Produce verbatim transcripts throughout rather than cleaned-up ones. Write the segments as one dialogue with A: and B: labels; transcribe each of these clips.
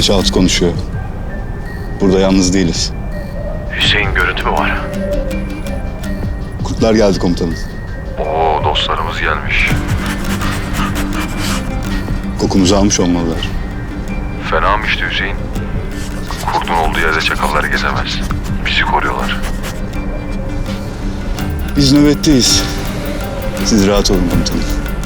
A: Şahıs konuşuyor. Burada yalnız değiliz.
B: Hüseyin görüntü mü var?
A: Kurtlar geldi komutanım.
B: Oo, dostlarımız gelmiş.
A: Kokumuzu almış olmalılar.
B: Fena mı işte Hüseyin? Kurdun olduğu yerde çakallar gezemez. Bizi koruyorlar.
A: Biz nöbetteyiz. Siz rahat olun komutanım.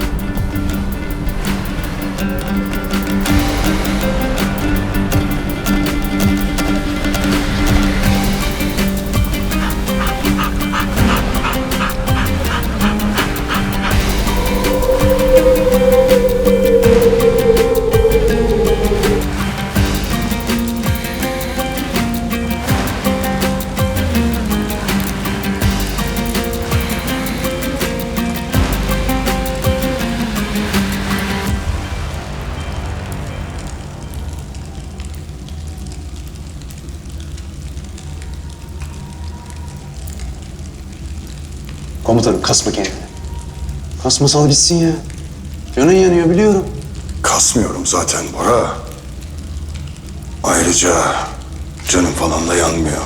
C: Komutanım kasma kendini. Kasma, sal gitsin ya. Canın yanıyor biliyorum.
D: Kasmıyorum zaten Bora. Ayrıca canım falan da yanmıyor.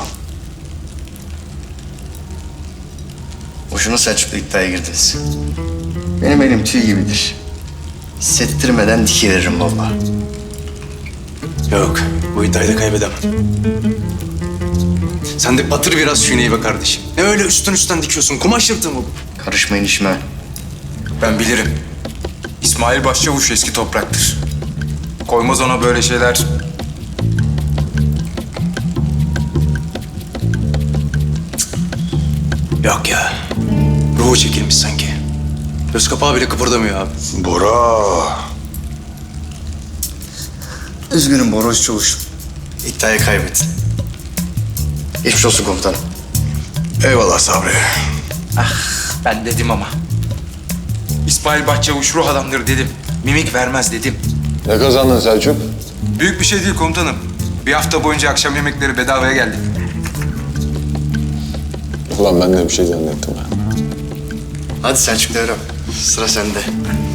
E: Boşuna Selçuk'la iddiaya girdiniz. Benim elim tüy gibidir. Hissettirmeden dikiveririm vallahi.
C: Yok, bu iddiayı da kaybedemem. Sen de batır biraz şüneyi be kardeşim. Ne öyle üstten üstten dikiyorsun? Kumaş yırtığı mı bu?
E: Karışmayın işime.
F: Ben bilirim. İsmail Başçavuş eski topraktır. Koymaz ona böyle şeyler.
C: Yok ya. Ruhu çekilmiş sanki. Göz kapağı bile kıpırdamıyor abi.
D: Bora.
E: Üzgünüm Boros Çavuş'um. İddiayı kaybettin. Geçmiş olsun komutanım.
D: Eyvallah Sabri.
F: Ben dedim ama. İsmail Başçavuş ruh adamdır dedim. Mimik vermez dedim.
D: Ne kazandın Selçuk?
F: Büyük bir şey değil komutanım. Bir hafta boyunca akşam yemekleri bedavaya geldi.
D: Ulan ben de bir şey zannettim ha.
E: Hadi Selçuk Devrem. Sıra sende.